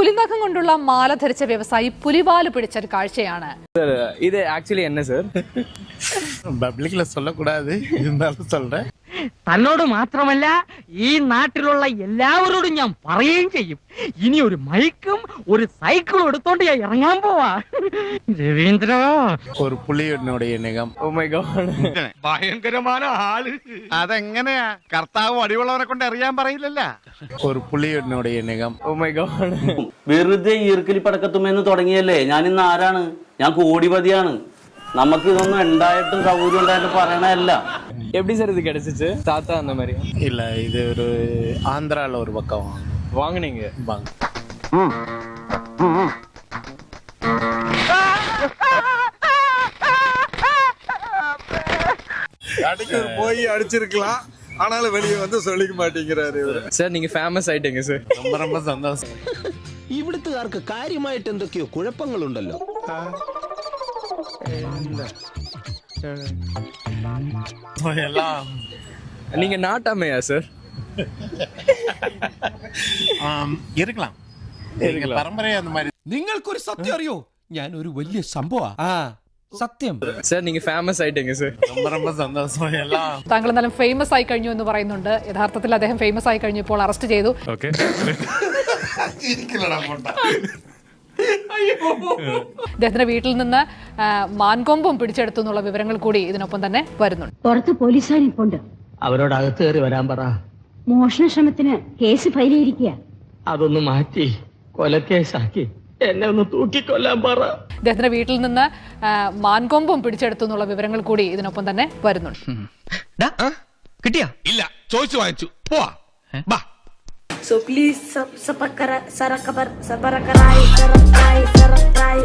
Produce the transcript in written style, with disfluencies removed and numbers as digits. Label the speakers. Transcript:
Speaker 1: പുലിനഖം കൊണ്ടുള്ള മാല ധരിച്ച വ്യവസായി പുലിവാല് പിടിച്ചൊരു കാഴ്ചയാണ്.
Speaker 2: ഇത് ആക്ച്വലി എന്നെ സർ
Speaker 3: പബ്ലിക്കിൽ சொல்லக்கூடாது இருந்தாலும் சொல்றேன்.
Speaker 4: തന്നോട് മാത്രമല്ല ഈ നാട്ടിലുള്ള എല്ലാവരോടും ഞാൻ പറയുകയും ചെയ്യും. ഇനി ഒരു മൈക്കും ഒരു സൈക്കിളും എടുത്തോണ്ട് ഞാൻ ഇറങ്ങാൻ പോവാ. രവീന്ദ്ര,
Speaker 3: ഒരു പുലിയുടെ നഖം.
Speaker 2: ഓ മൈ ഗോഡ്,
Speaker 5: ഭയങ്കരമായ ആള്. അതെങ്ങനെയാ കർത്താവ് അടിയുള്ളവരെ കൊണ്ട് അറിയാൻ പറയില്ലല്ലോ.
Speaker 3: ഒരു പുലിയുടെ നഖം.
Speaker 2: Oh my god.
Speaker 6: വെറുതെ ഈർക്കലി പടക്കത്തുമെന്ന് തുടങ്ങിയല്ലേ? ഞാൻ ഇന്ന് ആരാണ്? ഞാൻ കോടിപതിയാണ്. നമുക്ക് ഇതൊന്നും ഉണ്ടായിട്ടും സൗകര്യം ഉണ്ടായിട്ടും പറയണല്ല.
Speaker 2: எப்படி சார் இது கிடைச்சிச்சு? தாத்தா அந்த மாதிரி
Speaker 3: இல்ல, இது ஒரு ஆந்திரால ஒரு பக்கம்
Speaker 2: வாங்குனீங்க?
Speaker 3: வாங்க.
Speaker 7: அடிக்கிற போய் அடிச்சிருக்கலாம், ஆனாலும் வெளியே வந்து சொல்லிக்க மாட்டேங்கிறாரு இவரு.
Speaker 2: சார் நீங்க ஃபேமஸ் ஆயிட்டீங்க சார்.
Speaker 3: ரொம்ப ரொம்ப சந்தோஷம்.
Speaker 8: ഇവിടുത്തുകാർക്ക് കാര്യമായിട്ട് എന്തൊക്കെയോ കുഴപ്പങ്ങളുണ്ടല്ലോ.
Speaker 3: எல்லாம்
Speaker 2: நீங்க நாட்டாமையா சார்?
Speaker 3: இருக்கலாம். പരമ്പരയെ அந்த மாதிரி.
Speaker 8: നിങ്ങൾക്കൊരു സത്യം അറിയോ? ഞാൻ ഒരു വലിയ സംഭവ സത്യം.
Speaker 2: சார் நீங்க ஃபேமஸ் ஆயிட்டீங்க சார்.
Speaker 3: ரொம்ப ரொம்ப சந்தோஷம். எல்லாம்
Speaker 1: താങ്കൾ എന്നാലും ഫേമസ് ആയി കഴിഞ്ഞു എന്ന് പറയുന്നുണ്ട്. യഥാർത്ഥത്തിൽ അദ്ദേഹം ഫേമസ് ആയി കഴിഞ്ഞപ്പോൾ അറസ്റ്റ് ചെയ്തു. അദ്ദേഹത്തിന്റെ വീട്ടിൽ നിന്ന് മാൻകൊമ്പും പിടിച്ചെടുത്തു എന്നുള്ള വിവരങ്ങൾ കൂടി ഇതിനൊപ്പം തന്നെ വരുന്നുണ്ട്.
Speaker 9: പുറത്ത് പോലീസുകാരിപ്പുണ്ട്.
Speaker 4: അവരോട് അകത്ത് കയറി വരാൻ പറ.
Speaker 9: മോഷണ ശ്രമത്തിന് കേസ് ഫയൽ ചെയ്തിരിക്കുക.
Speaker 4: അതൊന്ന് മാറ്റി കൊലക്കേസാക്കി എന്നെ ഒന്ന് തൂക്കിക്കൊല്ലാൻ പറ.
Speaker 1: അദ്ദേഹത്തിന്റെ വീട്ടിൽ നിന്ന് മാൻകൊമ്പും പിടിച്ചെടുത്തു എന്നുള്ള വിവരങ്ങൾ കൂടി ഇതിനൊപ്പം തന്നെ വരുന്നുണ്ട്.
Speaker 5: കിട്ടിയാ? ഇല്ല, ചോദിച്ചു വാങ്ങിച്ചു. പോവാ.
Speaker 9: So please subscribe.